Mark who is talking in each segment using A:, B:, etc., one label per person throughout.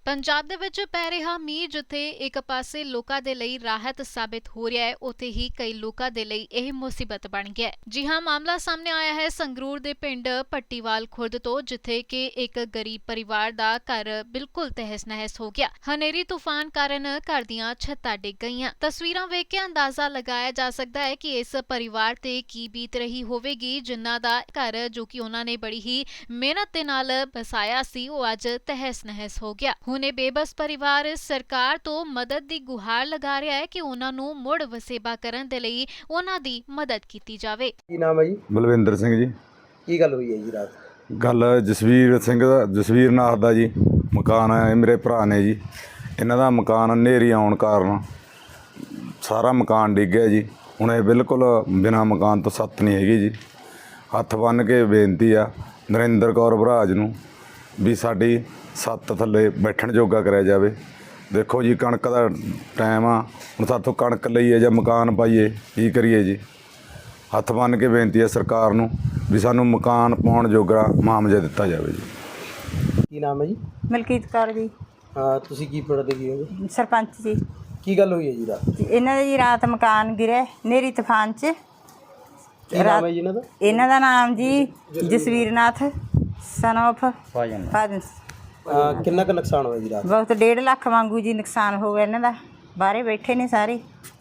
A: ਪੰਜਾਬ ਦੇ ਵਿੱਚ ਪੈ ਰਿਹਾ ਮੀਂਹ ਜਿੱਥੇ ਇੱਕ ਪਾਸੇ ਲੋਕਾਂ ਦੇ ਲਈ ਰਾਹਤ ਸਾਬਿਤ ਹੋ ਰਿਹਾ ਹੈ, ਉੱਥੇ ਹੀ ਕਈ ਲੋਕਾਂ ਦੇ ਲਈ ਇਹ ਮੁਸੀਬਤ ਬਣ ਗਿਆ ਹੈ। ਜੀ ਹਾਂ, ਮਾਮਲਾ ਸਾਹਮਣੇ ਆਇਆ ਹੈ ਸੰਗਰੂਰ ਦੇ ਪਿੰਡ ਪੱਟੀਵਾਲ ਖੁਰਦ ਤੋਂ, ਜਿੱਥੇ ਕਿ ਇੱਕ ਗਰੀਬ ਪਰਿਵਾਰ ਦਾ ਘਰ ਬਿਲਕੁਲ ਤਹਿਸ-ਨਹਿਸ ਹੋ ਗਿਆ। ਹਨੇਰੀ ਤੂਫਾਨ ਕਾਰਨ ਘਰ ਦੀਆਂ ਛੱਤਾਂ ਡਿੱਗ ਗਈਆਂ। ਤਸਵੀਰਾਂ ਵੇਖ ਕੇ ਅੰਦਾਜ਼ਾ ਲਗਾਇਆ ਜਾ ਸਕਦਾ ਹੈ ਕਿ ਇਸ ਪਰਿਵਾਰ ਤੇ ਕੀ ਬੀਤ ਰਹੀ ਹੋਵੇਗੀ, ਜਿਨ੍ਹਾਂ ਦਾ ਘਰ ਜੋ ਕਿ ਉਹਨਾਂ ਨੇ ਬੜੀ ਹੀ ਮਿਹਨਤ ਦੇ ਨਾਲ ਬਸਾਇਆ ਸੀ, ਉਹ ਅੱਜ ਤਹਿਸ-ਨਹਿਸ ਹੋ ਗਿਆ। ਹੁਣ ਇਹ ਬੇਬਸ ਪਰਿਵਾਰ ਸਰਕਾਰ ਤੋਂ ਮਦਦ ਦੀ ਗੁਹਾਰ ਲਗਾ ਰਿਹਾ ਹੈ ਕਿ ਉਹਨਾਂ ਨੂੰ ਮੁੜ ਵਸੇਬਾ ਕਰਨ ਦੇ ਲਈ ਉਹਨਾਂ ਦੀ ਮਦਦ ਕੀਤੀ ਜਾਵੇ।
B: ਕੀ ਨਾਮ ਹੈ ਜੀ?
C: ਬਲਵਿੰਦਰ ਸਿੰਘ ਜੀ।
B: ਕੀ ਗੱਲ ਹੋਈ ਹੈ ਜੀ ਰਾਤ?
C: ਗੱਲ ਜਸਵੀਰ ਸਿੰਘ ਦਾ, ਜਸਵੀਰ ਨਾਥ ਦਾ ਜੀ ਮਕਾਨ ਹੈ। ਮੇਰੇ ਭਰਾ ਨੇ ਜੀ, ਇਹਨਾਂ ਦਾ ਮਕਾਨ ਹਨੇਰੀ ਆਉਣ ਕਾਰਨ ਸਾਰਾ ਮਕਾਨ ਡਿੱਗ ਗਿਆ ਜੀ। ਹੁਣ ਇਹ ਬਿਲਕੁਲ ਬਿਨਾਂ ਮਕਾਨ ਤੋਂ ਛੱਤ ਨਹੀਂ ਹੈਗੀ ਜੀ। ਹੱਥ ਬੰਨ੍ਹ ਕੇ ਬੇਨਤੀ ਆ ਨਰਿੰਦਰ ਕੌਰ ਭਰਾਜ ਨੂੰ ਵੀ ਸਾਡੀ ਛੱਤ ਥੱਲੇ ਬੈਠਣ ਜੋਗਾ ਕਰਿਆ ਜਾਵੇ। ਦੇਖੋ ਜੀ, ਕਣਕ ਦਾ ਟਾਈਮ ਆ, ਹੁਣ ਸਾਥੋਂ ਕਣਕ ਲਈਏ ਜਾਂ ਮਕਾਨ ਪਾਈਏ, ਕੀ ਕਰੀਏ ਜੀ। ਹੱਥ ਬੰਨ੍ਹ ਕੇ ਬੇਨਤੀ ਹੈ ਸਰਕਾਰ ਨੂੰ ਵੀ ਸਾਨੂੰ ਮਕਾਨ ਪਾਉਣ ਜੋਗਾ ਮੁਆਵਜ਼ਾ ਦਿੱਤਾ ਜਾਵੇ ਜੀ।
B: ਕੀ ਨਾਮ ਹੈ ਜੀ?
D: ਮਲਕੀਤ ਕੌਰ ਜੀ।
B: ਹਾਂ, ਤੁਸੀਂ ਕੀ ਪਿੰਡ ਦੇ ਕੀ ਹੋ ਜੀ?
D: ਸਰਪੰਚ ਜੀ।
B: ਕੀ ਗੱਲ ਹੋਈ ਹੈ ਜੀ ਰਾਤ?
D: ਇਹਨਾਂ ਦਾ ਜੀ ਰਾਤ ਮਕਾਨ ਗਿਰਿਆ ਹਨੇਰੀ ਤੂਫਾਨ 'ਚ।
B: ਕੀ ਨਾਮ ਹੈ ਜੀ ਇਹਨਾਂ ਦਾ?
D: ਇਹਨਾਂ ਦਾ ਨਾਮ ਜੀ ਜਸਵੀਰ ਨਾਥ ਸਨ ਆਫ ਫਾਜ਼ਨ।
B: ਕਿੰਨਾ ਕੁ ਨੁਕਸਾਨ ਹੋਇਆ ਜੀ ਰਾਤ?
D: ਬਹੁਤ 1.5 ਲੱਖ ਵਾਂਗੂ ਜੀ ਨੁਕਸਾਨ ਹੋ ਗਿਆ ਇਹਨਾਂ ਦਾ। ਬਾਹਰੇ ਬੈਠੇ ਨੇ ਸਾਰੇ,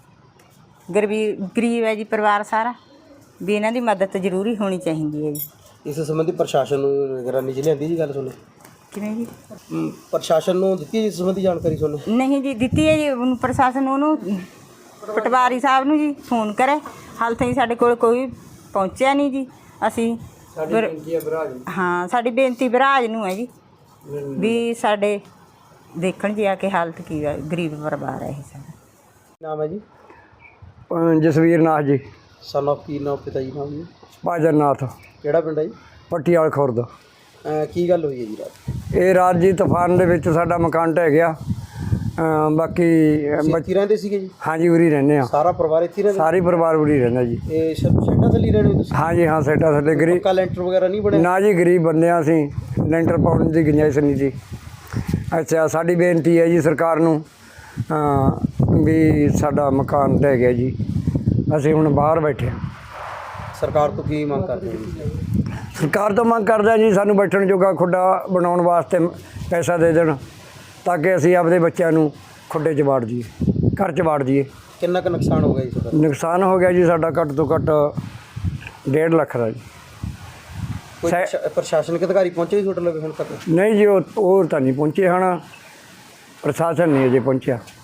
D: ਗਰੀਬ ਹੈ ਜੀ ਪਰਿਵਾਰ ਸਾਰਾ, ਵੀ ਇਹਨਾਂ ਦੀ ਮਦਦ ਜ਼ਰੂਰੀ ਹੋਣੀ ਚਾਹੀਦੀ ਹੈ ਜੀ।
B: ਇਸ ਸੰਬੰਧੀ ਪ੍ਰਸ਼ਾਸਨ ਨੂੰ ਨਿਗਰਾਨੀ 'ਚ ਲਿਆਂਦੀ ਜੀ ਗੱਲ ਸੁਣੇ?
D: ਕਿਵੇਂ ਜੀ?
B: ਪ੍ਰਸ਼ਾਸਨ ਨੂੰ ਦਿੱਤੀ ਜੀ ਇਸ ਸੰਬੰਧੀ ਜਾਣਕਾਰੀ ਸੁਣੇ?
D: ਨਹੀਂ ਜੀ, ਦਿੱਤੀ ਹੈ ਜੀ ਉਹਨੂੰ ਪ੍ਰਸ਼ਾਸਨ, ਉਹਨੂੰ ਪਟਵਾਰੀ ਸਾਹਿਬ ਨੂੰ ਜੀ ਫੋਨ ਕਰੇ, ਹਾਲ ਤਾਈਂ ਸਾਡੇ ਕੋਲ ਕੋਈ ਪਹੁੰਚਿਆ ਨਹੀਂ ਜੀ। ਅਸੀਂ ਹਾਂ, ਸਾਡੀ ਬੇਨਤੀ ਵਿਰਾਜ ਨੂੰ ਹੈ ਜੀ ਵੀ ਸਾਡੇ ਦੇਖਣ ਜੀ ਆ ਕੇ ਹਾਲਤ ਕੀ ਹੈ। ਗਰੀਬ ਪਰਿਵਾਰ ਹੈ ਇਹ ਸਾਡਾ।
B: ਨਾਮ ਹੈ ਜੀ?
E: ਜਸਵੀਰ ਨਾਥ ਜੀ।
B: ਸਨ ਆਫ ਕੀ ਨਾਮ ਪਿਤਾ ਜੀ ਨਾਮ ਜੀ?
E: ਭਾਜਨ ਨਾਥ।
B: ਕਿਹੜਾ ਪਿੰਡ ਹੈ ਜੀ?
E: ਪੱਟੀਵਾਲ ਖੁਰਦ।
B: ਕੀ ਗੱਲ ਹੋਈ ਹੈ ਜੀ ਰਾਤ?
E: ਇਹ ਰਾਤ ਜੀ ਤੂਫਾਨ ਦੇ ਵਿੱਚ ਸਾਡਾ ਮਕਾਨ ਢਹਿ ਗਿਆ। ਬਾਕੀ
B: ਇੱਥੇ ਰਹਿੰਦੇ ਸੀਗੇ ਜੀ?
E: ਹਾਂਜੀ, ਉਰੀ ਰਹਿੰਦੇ ਆ।
B: ਸਾਰਾ ਪਰਿਵਾਰ ਇੱਥੇ ਰਹਿੰਦਾ?
E: ਸਾਰੀ ਪਰਿਵਾਰ ਉਰੀ ਰਹਿੰਦਾ ਜੀ।
B: ਇਹ ਸ਼ੈਡਾਂ ਥੱਲੇ ਰਹਿੰਦੇ ਤੁਸੀਂ?
E: ਹਾਂਜੀ ਹਾਂ, ਸਾਡਾ ਸਾਡੇ ਗਰੀਬ
B: ਪੱਕਾ ਲੈਂਟਰ ਵਗੈਰਾ ਨਹੀਂ ਬਣਿਆ?
E: ਨਾ ਜੀ, ਗਰੀਬ ਬੰਦੇ ਆ ਅਸੀਂ, ਲੈਂਟਰ ਪਾਉਣ ਦੀ ਗੁੰਜਾਇਸ਼ ਨਹੀਂ ਜੀ। ਅੱਛਾ, ਸਾਡੀ ਬੇਨਤੀ ਹੈ ਜੀ ਸਰਕਾਰ ਨੂੰ ਵੀ ਸਾਡਾ ਮਕਾਨ ਢਹਿ ਗਿਆ ਜੀ, ਅਸੀਂ ਹੁਣ ਬਾਹਰ ਬੈਠੇ ਹਾਂ।
B: ਸਰਕਾਰ ਤੋਂ ਕੀ ਮੰਗ ਕਰਦੇ ਹੋ ਜੀ?
E: ਸਰਕਾਰ ਤੋਂ ਮੰਗ ਕਰਦਾ ਜੀ ਸਾਨੂੰ ਬੈਠਣ ਜੋਗਾ ਖੁੱਡਾ ਬਣਾਉਣ ਵਾਸਤੇ ਪੈਸਾ ਦੇ ਦੇਣ, ਤਾਂ ਕਿ ਅਸੀਂ ਆਪਦੇ ਬੱਚਿਆਂ ਨੂੰ ਖੁੱਡੇ 'ਚ ਵਾੜ ਜਾਈਏ, ਘਰ 'ਚ ਵਾੜ ਜਾਈਏ।
B: ਕਿੰਨਾ ਕੁ ਨੁਕਸਾਨ ਹੋ ਗਿਆ ਜੀ ਤੁਹਾਡਾ?
E: ਨੁਕਸਾਨ ਹੋ ਗਿਆ ਜੀ ਸਾਡਾ ਘੱਟ ਤੋਂ ਘੱਟ 1.5 ਲੱਖ ਦਾ ਜੀ।
B: ਕੋਈ ਪ੍ਰਸ਼ਾਸਨਿਕ ਅਧਿਕਾਰੀ ਪਹੁੰਚੇ ਤੁਹਾਡੇ ਲਵੇ ਹੁਣ ਤੱਕ?
E: ਨਹੀਂ ਜੀ, ਉਹ ਤਾਂ ਨਹੀਂ ਪਹੁੰਚੇ ਹਨ, ਪ੍ਰਸ਼ਾਸਨ ਨਹੀਂ ਅਜੇ ਪਹੁੰਚਿਆ।